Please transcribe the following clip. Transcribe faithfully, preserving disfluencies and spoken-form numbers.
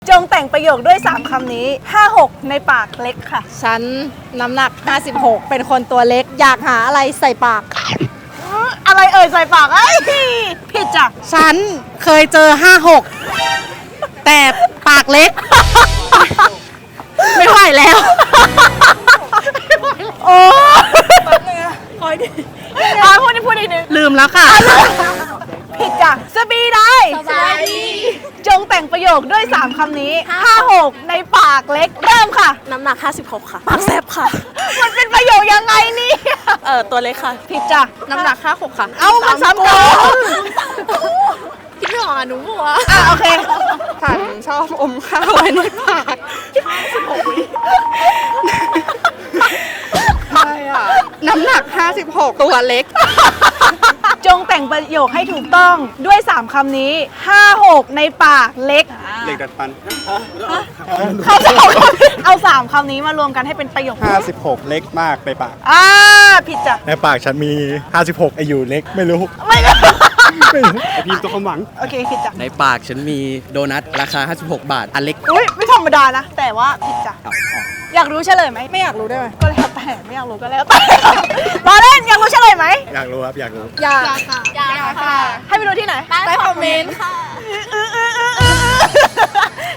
จงแต่งประโยคด้วยสามคำนี้ห้าหกในปากเล็กค่ะฉันน้ำหนักห้าสิบหกเป็นคนตัวเล็กอยากหาอะไรใส่ปากอะไรเอ่ยใส่ปากไอ้ยผิดจ้ะฉันเคยเจอห้าหกแต่ปากเล็ก ไม่ไหวแล้วโอ้คอยดิอ่าพูดดิพูดอีกหนึ่งลืมแล้วค่ะผิดจ้ะสบีได้สบายดีจงแต่งประโยคด้วยสามคำนี้ห้าหกในปากเล็กเริ่มค่ะน้ำหนักห้าสิบหกค่ะ ปากแซบค่ะมันเป็นประโยคยังไงเนี่ยเออตัวเล็กค่ะผิดจ้ะน้ำหนักห้าหกค่ะเอามันซ้ำกันคิดไม่ออกอ่ะหนูบัวอ่ะโอเคฉันชอบอมข้าวไว้ในปากน้ำหนักห้าสิบหกตัวเล็กจงแต่งประโยคให้ถูกต้องด้วยสามคำนี้ห้าหกในปากเล็กเหล็กดัดฟันเขาจะเอาเอาสามคำนี้มารวมกันให้เป็นประโยคห้าสิบหกเล็กมากไปปากอ่าผิดจ้ะในปากฉันมี ห้าสิบหกไออยู่เล็กไม่รู้ไม่ไม่รู้ไอพีมตัวความหวังโอเคผิดจ้ะในปากฉันมีโดนัทราคา ห้าสิบหก บาท อันเล็กอุ้ยไม่ธรรมดานะ แต่ว่าผิดจ้ะอยากรู้เฉลยไหมไม่อยากรู้ได้ไหมก็แล้วแต่ไม่อยากรู้ก็แล้วแต่ รอเล่นอยากรู้เฉลยไหมอยากรู้ครับ อยากรู้อยากค่ะอยากค่ะให้ไปดูที่ไหนใต้คอมเมนต์ค่ะ